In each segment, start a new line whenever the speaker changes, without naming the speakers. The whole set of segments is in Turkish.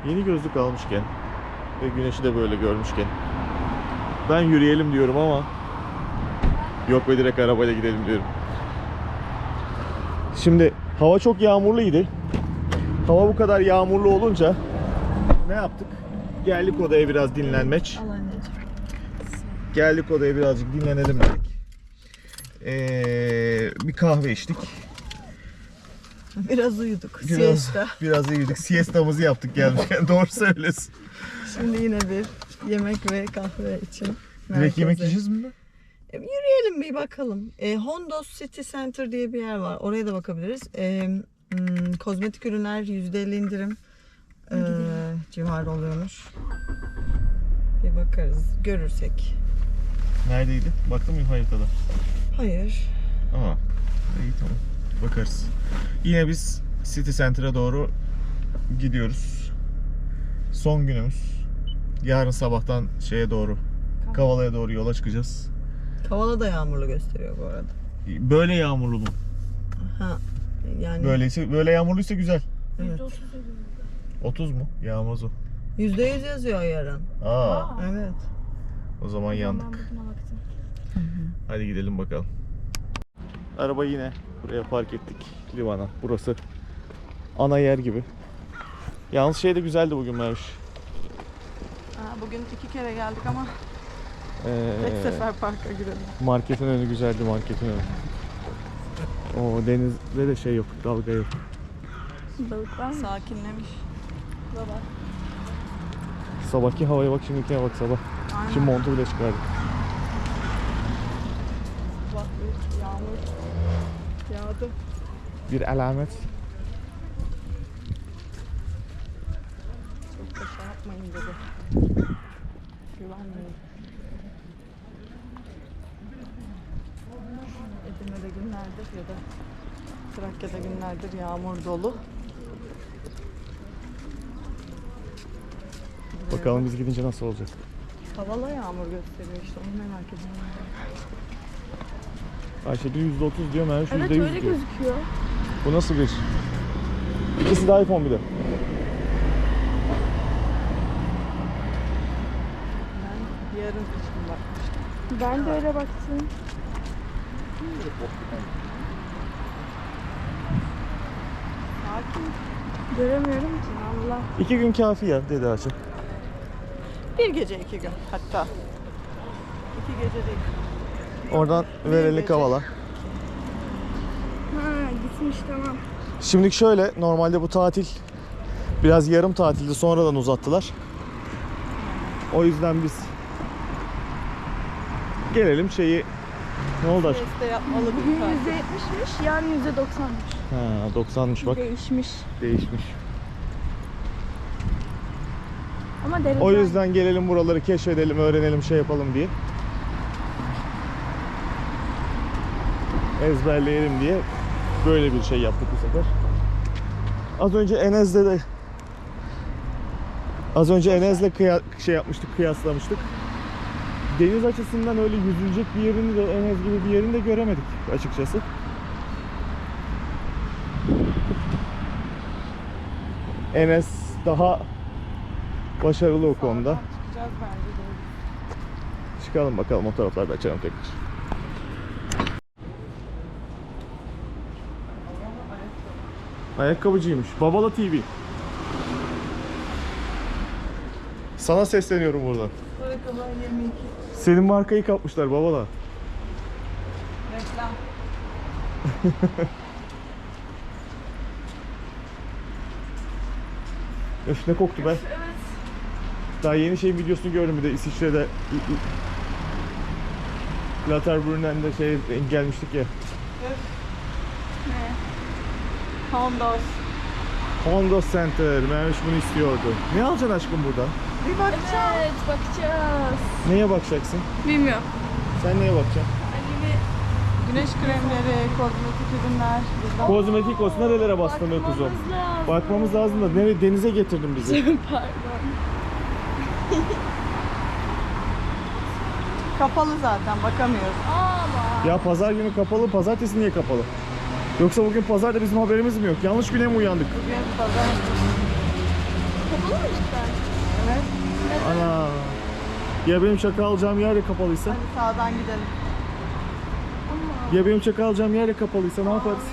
Yeni gözlük almışken ve güneşi de böyle görmüşken ben yürüyelim diyorum ama yok be, direkt arabayla gidelim diyorum. Şimdi hava çok yağmurluydu. Hava bu kadar yağmurlu olunca ne yaptık? Geldik odaya biraz dinlenmek. Geldik odaya birazcık dinlenelim dedik. Bir kahve içtik.
Biraz uyuduk. Siesta.
Biraz uyuduk. Siestamızı yaptık gelmişken. Doğru söylüyorsun.
Şimdi yine bir yemek ve kahve için
Direkt yemek yiyeceğiz mi?
Yürüyelim bir bakalım. Hondos City Center diye bir yer var. Oraya da bakabiliriz. Kozmetik ürünler %50 indirim civarı oluyormuş. Bir bakarız. Görürsek.
Neredeydi? Baktın mı haritada?
Hayır.
Aa, iyi, tamam. Bakarız. Yine biz City Center'a doğru gidiyoruz. Son günümüz. Yarın sabahtan şeye doğru, Kavala'ya doğru yola çıkacağız.
Kavala da yağmurlu gösteriyor bu arada.
Böyle yağmurlu mu?
Ha, yani
Böyle yağmurluysa güzel.
evet.
30 mu? Yağmaz o.
%100 yazıyor yarın.
Aa,
Evet.
o zaman yandık. Hadi gidelim bakalım. Araba yine buraya park ettik, limana. Burası ana yer gibi. Yalnız şey de güzeldi bugün Merviş.
Bugün 2 kere geldik ama tek sefer parka girelim.
Marketin önü güzeldi, marketin önü. O denizde de şey yok, dalga yok.
Balık var mı?
Sakinlemiş. Baba.
Sabahki havaya bak, şimdikine bak sabah.
Aynen.
Şimdi montu bile çıkardık.
Bak bir yağmur yağdı.
Bir alamet.
Çok da şey yapmayın dedi. Güvenmeyin. Edirne'de günlerdir ya da Trakya'da günlerdir yağmur dolu.
Bakalım biz gidince nasıl olacak.
Kavala yağmur gösteriyor işte, onu merak ediyorum.
Ayşe diyor %30 diyor, Merviş
Evet
%100
öyle
diyor.
gözüküyor.
Bu nasıl bir? İkisi de iPhone bir de.
Ben yarın için bakmıştım.
Ben de öyle baktım.
Sakin.
Göremiyorum ki Allah.
2 gün kafi ya dedi Ayşe.
Bir gece 2 gün hatta. 2 gece değil.
Oradan Vereli
gece.
Kavala.
Ha gitmiş tamam.
Şimdilik şöyle, normalde bu tatil biraz yarım tatildi, sonradan uzattılar. O yüzden biz gelelim şeyi, ne oldu aşkım?
Siesta yapmalı
Bugün
bir tatil.
%70'miş, yarın %90'mış.
Ha, 90'mış bak,
Değişmiş.
değişmiş.
Ama deniz
O yüzden gelelim buraları keşfedelim, öğrenelim, şey yapalım diye. Ezberleyelim diye böyle bir şey yaptık bu sefer. Az önce Enes'le şey yapmıştık, kıyaslamıştık. Deniz açısından öyle yüzülecek bir yerini de, Enes gibi bir yerini de göremedik açıkçası. Enes daha başarılı o konuda.
Çıkacağız bence de.
Çıkalım bakalım, o taraflarda açalım tekrar. Ayakkabıcıymış. Babala TV. Sana sesleniyorum buradan.
Ayakkabı 22.
Senin markayı kapmışlar Babala.
Reklam.
Öf, ne koktu be. Daha yeni şeyin videosunu gördüm, bir de İsviçre'de Lauterbrunnen'de şey gelmiştik ya.
Hondos.
Hondos Center. Merviş bunu istiyordu. Ne alacaksın aşkım buradan?
Bir bakacağım.
Evet bakacağız.
Neye bakacaksın?
Bilmiyorum.
Sen neye bakacaksın?
Güneş kremleri, kozmetik ürünler.
Kozmetik olsun, nerelere bastın be kuzum? Bakmamız lazım da nereye, denize getirdin bizi.
Pardon.
Kapalı zaten, bakamıyoruz.
Ama.
Ya pazar günü kapalı, pazartesi niye kapalı? Yoksa bugün pazarda bizim haberimiz mi yok? Yanlış güne mi uyandık?
Bugün pazar.
Kapalı mı cidden?
Evet.
Ana. Ya benim çaka alacağım yer de kapalıysa?
Hadi sağdan gidelim.
Ya benim çaka alacağım yer de kapalıysa ne yaparız?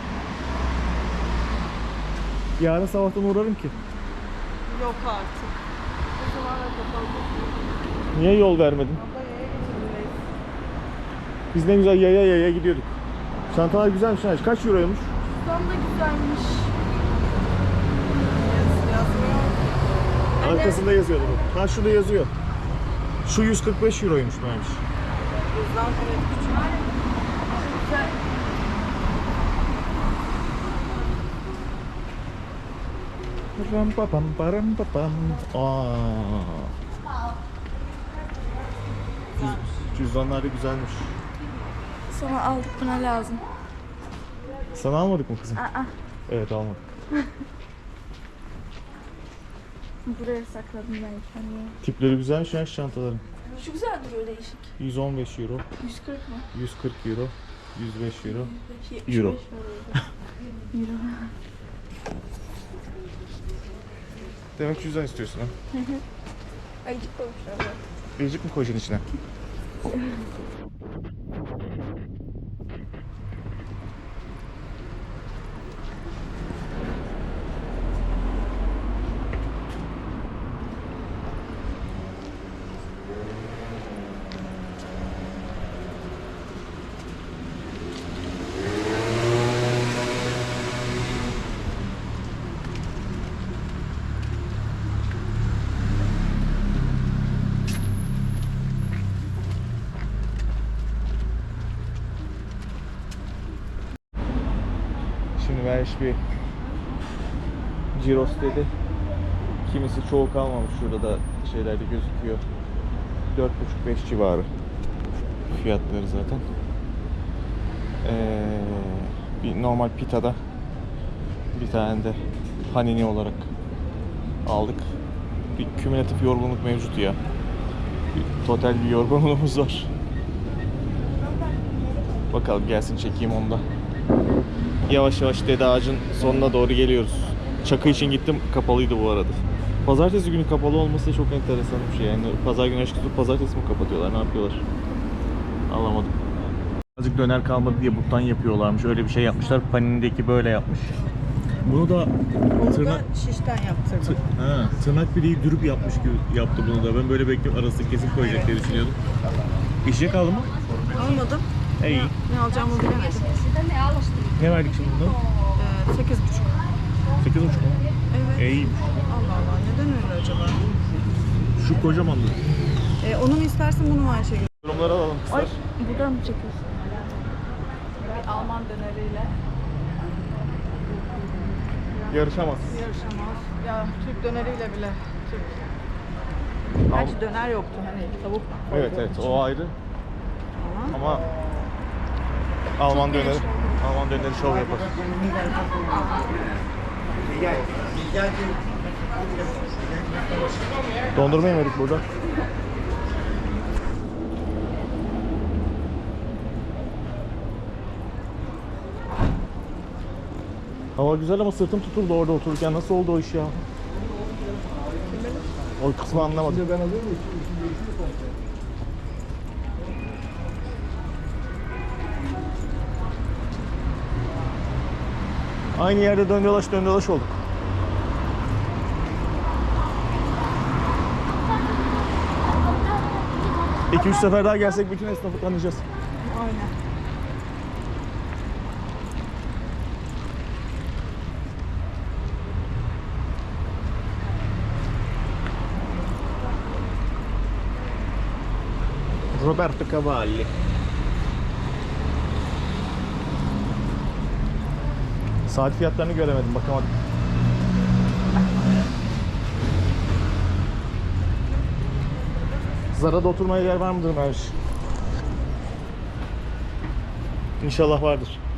Yarın sabahtan uğrarım ki.
Yok artık. O zaman da kapalı.
Niye yol vermedin?
Abla yaya getirmeyiz.
Biz ne güzel yaya gidiyorduk. Çantalar güzelmiş. Ha. Kaç euroymuş?
Tam da güzelmiş.
Yazmıyor.
Arkasında yazıyordu bu. Ha şurada yazıyor. Şu 145 euroymuş bence.
Bizden evet küçük.
Ram pa pam param pa pam. Aa. Cüzdanlar da güzelmiş.
Sonra aldık, buna lazım.
Sana almadık mı kızım?
Aa,
Evet almadık.
buraya sakladım ben kendimi.
Tipleri güzelmiş ya şu çantaların.
Şu güzel duruyor, değişik.
115 euro,
140 mı?
140 euro, 105 euro.
75
Euro.
var orada. Euro.
Demek cüzdan istiyorsun ha?
Ayıcık koymuşlar bak.
Biricik mi koyacaksın içine? Şimdi ben bir Giros dedi. Kimisi çoğu kalmamış, şurada da şeylerde gözüküyor. 4,5-5 civarı fiyatları zaten. Bir normal pitada bir tane de panini olarak aldık. Bir kümülatif yorgunluk mevcut ya. Bir total bir yorgunluğumuz var. Bakalım gelsin, çekeyim onu da. Yavaş yavaş Dede Ağacı'nın sonuna doğru geliyoruz. Çakı için gittim, kapalıydı bu arada. Pazartesi günü kapalı olması da çok enteresan bir şey. Yani pazar günü açık, pazartesi mi kapatıyorlar, ne yapıyorlar? Anlamadım. Azıcık döner kalmadı diye buttan yapıyorlarmış. Öyle bir şey yapmışlar. Paninindeki böyle yapmış. Bunu da
Bunu da şişten yaptırdım.
tırnak bileği dürüp yapmış gibi yaptı bunu da. Ben böyle bekliyorum, arasını kesin koyacak diye düşünüyordum. Bir şey kaldı mı?
Almadım.
İyi.
Ne alacağımı bilemedim.
Ne verdik şimdi bundan?
8,5.
8,5 mu?
Evet.
İyiymiş.
Allah Allah, neden öyle acaba?
Şu kocamandı.
Onu mu istersin, bunu mu Ayşegül?
Yorumları alalım kızlar.
Ay, buradan mı çekiyorsun?
Bir Alman döneriyle
Yarışamaz.
yarışamaz. Ya Türk döneriyle bile Türk. Gerçi döner yoktu, hani tavuk
Evet
koyduğum
evet,
için.
o ayrı.
Ama
Ama Alman döneri, Alman döneri şov yapar. Dondurma yemedik burada. Hava güzel ama sırtım tutuldu orada otururken. Nasıl oldu o iş ya? O kısmı anlamadım. Aynı yerde dön dolaş olduk. İki üç sefer daha gelsek bütün esnafı tanıyacağız.
aynen.
Roberto Cavalli. Saat fiyatlarını göremedim, bakamadım. Zara'da oturmaya yer var mıdır Merviş? İnşallah vardır.